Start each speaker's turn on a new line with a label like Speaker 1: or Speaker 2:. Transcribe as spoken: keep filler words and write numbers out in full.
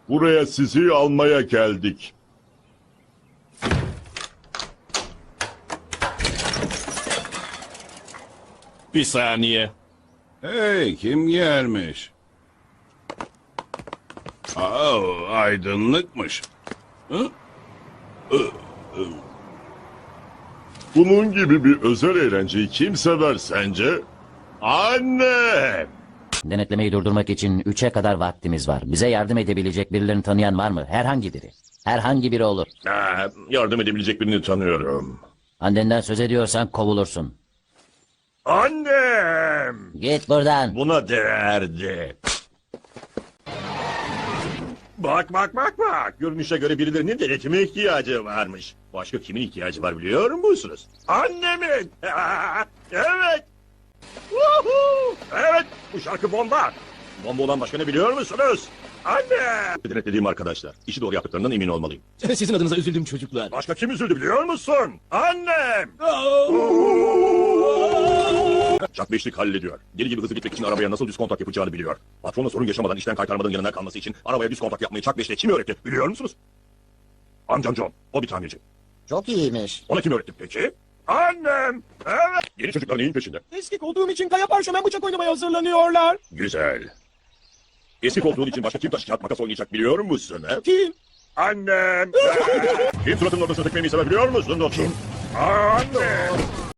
Speaker 1: Buraya sizi almaya geldik.
Speaker 2: Bir saniye.
Speaker 3: Hey, kim gelmiş? Aa, aydınlıkmış. Hı?
Speaker 1: Bunun gibi bir özel eğlenceyi kim sever sence? Annem!
Speaker 4: Denetlemeyi durdurmak için üçe kadar vaktimiz var. Bize yardım edebilecek birilerini tanıyan var mı? Herhangi biri. Herhangi biri olur.
Speaker 1: Aa, yardım edebilecek birini tanıyorum.
Speaker 4: Annenden söz ediyorsan kovulursun.
Speaker 1: Annem!
Speaker 4: Git buradan.
Speaker 1: Buna değerdi. Bak bak bak bak. Görünüşe göre birilerinin denetime ihtiyacı varmış. Başka kimin ihtiyacı var biliyor musunuz? Annemin! Evet! Woohoo! Evet! Bu şarkı bomba! Bomba olan başka ne biliyor musunuz? Anne! Denetlediğim arkadaşlar. İşi doğru yaptıklarından emin olmalıyım.
Speaker 2: Sizin adınıza üzüldüm çocuklar.
Speaker 1: Başka kim üzüldü biliyor musun? Annem! Jack beşlik hallediyor. Deli gibi hızlı gitmek için arabaya nasıl düz kontak yapacağını biliyor. Patronla sorun yaşamadan işten kaytarmadan yanına kalması için arabaya düz kontak yapmayı Jack beşle kim öğretti biliyor musunuz? Amcam John. O bir tamirci.
Speaker 5: Çok iyiymiş.
Speaker 1: Ona kim öğretti peki? Annem! Evet! Yeni çocuklar neyin peşinde?
Speaker 2: Eski olduğum için kaya parşömen bıçak oynamaya hazırlanıyorlar.
Speaker 1: Güzel. Eski koltuğun için başka kim taş kağıt makas oynayacak biliyor musun? He?
Speaker 2: Kim?
Speaker 1: Annem! Kim suratının ortasına tekmeyi sever biliyor musun? O kim? Annem!